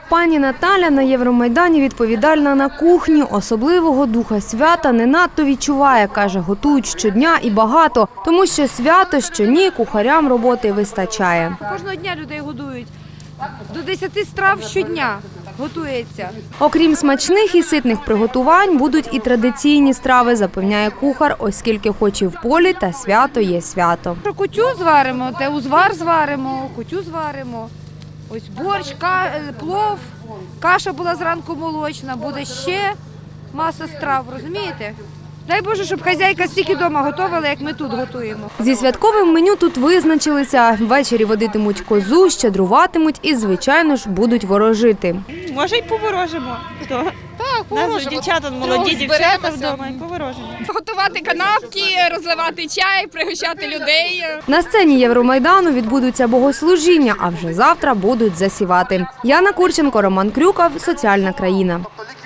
Пані Наталя на Євромайдані відповідальна на кухні. Особливого духа свята не надто відчуває. Каже, готують щодня і багато. Тому що свято, що ні, кухарям роботи вистачає. Кожного дня людей годують. До 10 страв щодня готується. Окрім смачних і ситних приготувань, будуть і традиційні страви, запевняє кухар, оскільки хоч і в полі, та свято є свято. Кутю зваримо, узвар зваримо, кутю зваримо. Ось борщ, плов, каша була зранку молочна, буде ще маса страв, розумієте? Дай Боже, щоб хазяйка стільки вдома готувала, як ми тут готуємо. Зі святковим меню тут визначилися. Ввечері водитимуть козу, щедруватимуть і, звичайно ж, будуть ворожити. Може й поворожимо. Так, Нас дівчата, молоді дівчата вдома і поворожимо. Готувати канапки, розливати чай, пригощати людей. На сцені Євромайдану відбудуться богослужіння, а вже завтра будуть засівати. Яна Курченко, Роман Крюков, Соціальна країна.